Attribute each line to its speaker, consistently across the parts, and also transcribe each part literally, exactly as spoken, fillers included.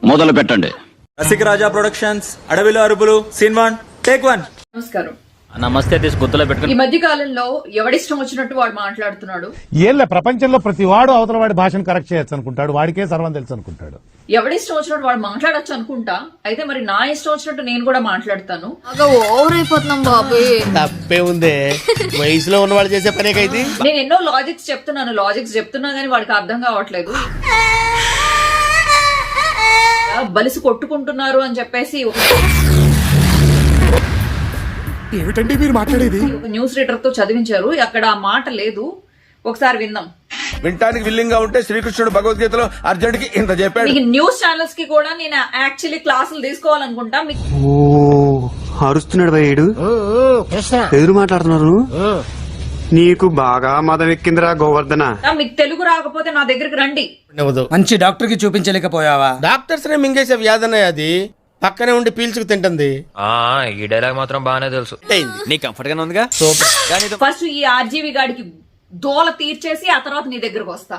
Speaker 1: మొదలు పెట్టండి.
Speaker 2: రసిక రాజా ప్రొడక్షన్స్, అడవిలో అరుపులు, సీన్ వన్, టేక్ వన్.
Speaker 3: నమస్కారం.
Speaker 4: నమస్తే తీసి గుర్తులో పెట్టుకుని.
Speaker 3: ఈ మధ్య కాలంలో ఎవడిష్టం వచ్చినట్టు వాడు మాట్లాడుతున్నాడు.
Speaker 5: ఏళ్ళ ప్రపంచంలో ప్రతి వాడు అవతల వాడి భాషను కరెక్ట్ చేయొచ్చు అనుకుంటాడు, వాడికే సర్వం తెలుసు అనుకుంటాడు.
Speaker 3: ఎవడిష్టం వచ్చినట్టు వాడు మాట్లాడొచ్చు అనుకుంటా, అయితే మరి నా ఇష్టం వచ్చినట్టు నేను కూడా మాట్లాడతాను.
Speaker 6: ఓవర్ అయిపోతున్నాం బాబు.
Speaker 7: తప్పే ఉందే, వయసులో ఉన్నవాళ్ళు చేసే పనేకైతే.
Speaker 3: నేను ఎన్నో లాజిక్స్ చెప్తున్నాను లాజిక్స్ చెప్తున్నా గానీ వాడికి అర్థం కావట్లేదు. బలిసి కొట్టుకుంటున్నారు అని చెప్పేసి
Speaker 8: ఏమిటండి మీరు మాట్లాడేది?
Speaker 3: ఒక న్యూస్ రీడర్ తో చదివించారు, అక్కడ ఆ మాట లేదు. ఒకసారి విందాం.
Speaker 8: వినటానికి విల్లింగ్ గా ఉంటే శ్రీకృష్ణుడు భగవద్గీతలో అర్జునుడికి ఇంత చెప్పాడు.
Speaker 3: మీకు న్యూస్ ఛానల్స్ కి కూడా నేను యాక్చువల్లీ క్లాసులు తీసుకోవాలనుకుంటా.
Speaker 9: అరుస్తున్నాడు భయ్యుడు, ఎదురు మాట్లాడుతున్నారు. నీకు బాగా మదం ఎక్కిందిరా గోవర్ధన.
Speaker 3: మీకు తెలుగు రాకపోతే నా దగ్గరికి రండి.
Speaker 7: మంచి డాక్టర్ కి చూపించలేకపోయావా? డాక్టర్స్ నే మింగేసే వ్యాధనే అది, పక్కనే ఉండి పీల్చుకు తింటుంది.
Speaker 4: ఈ డైలాగ్ మాత్రం బాగానే తెలుసు. నీ కంఫర్ట్ గానే ఉందిగా. సూపర్.
Speaker 3: ఫస్ట్ ఈ ఆర్జీవి గాడికి దోల తీర్చేసి ఆ తర్వాత నీ దగ్గరకు వస్తా.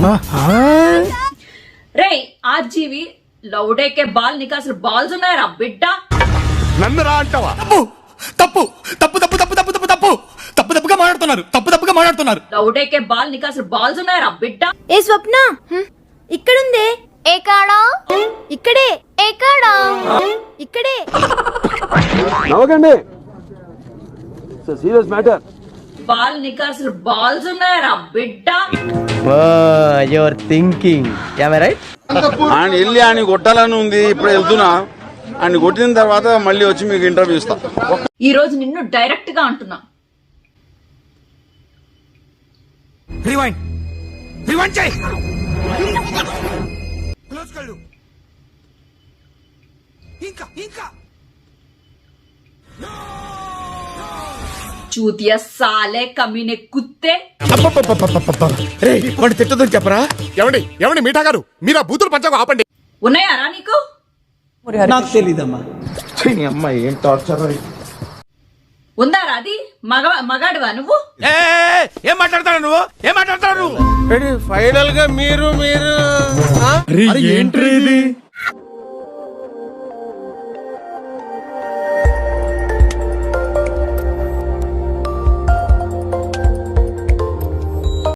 Speaker 3: రే ఆర్జీవి, లౌడేకే బాల్, నీకు అసలు బాల్స్ ఉన్నాయరా బిడ్డ?
Speaker 8: నన్ను రా అంటావా? తప్పు తప్పు తప్పు తప్పు తప్పు తప్పు తప్పు తప్పు తప్పుగా మాట్లాడుతున్నారు తప్పు తప్పుగా మాట్లాడుతున్నారు
Speaker 3: లౌడేకే బాల్, నీకు అసలు బాల్స్ ఉన్నాయరా బిడ్డ?
Speaker 6: ఏ స్వప్న, ఇక్కడుందే. ఏ కాడా? ఇక్కడే. ఏ కాడా? ఇక్కడే.
Speaker 9: నవ్వకండి, సీరియస్ మ్యాటర్.
Speaker 3: బాల్, నీకు అసలు బాల్స్ ఉన్నాయరా బిడ్డ?
Speaker 7: Your thinking right.
Speaker 1: ఆయన వెళ్ళి ఆయన కొట్టాలని ఉంది, ఇప్పుడు వెళ్తున్నా. ఆయన కొట్టిన తర్వాత మళ్ళీ వచ్చి మీకు ఇంటర్వ్యూ ఇస్తా.
Speaker 3: ఈ రోజు నిన్ను డైరెక్ట్ గా అంటున్నా.
Speaker 8: రివైండ్ రివైండ్ చేయి. క్లోజ్ కళ్ళు. ఇంకా ఇంకా
Speaker 3: చూతియా సాలే కమీనే కుత్తే.
Speaker 8: రే వాడిని తిట్టదని చెప్పరా? ఎవండి ఎవండి మీఠా గారు, మీరు ఆ బూతులు పంచకు ఆపండి.
Speaker 3: ఉన్నాయారా నీకు?
Speaker 7: నాకు తెలీదమ్మా.
Speaker 8: అమ్మాయి ఏం టార్చర్.
Speaker 3: ఉందారా అది? మగ మగాడువా నువ్వు?
Speaker 8: ఏం మాట్లాడతాడు నువ్వు? ఏం మాట్లాడతాడు నువ్వు?
Speaker 7: ఫైనల్ గా మీరు మీరు
Speaker 8: ఏంటి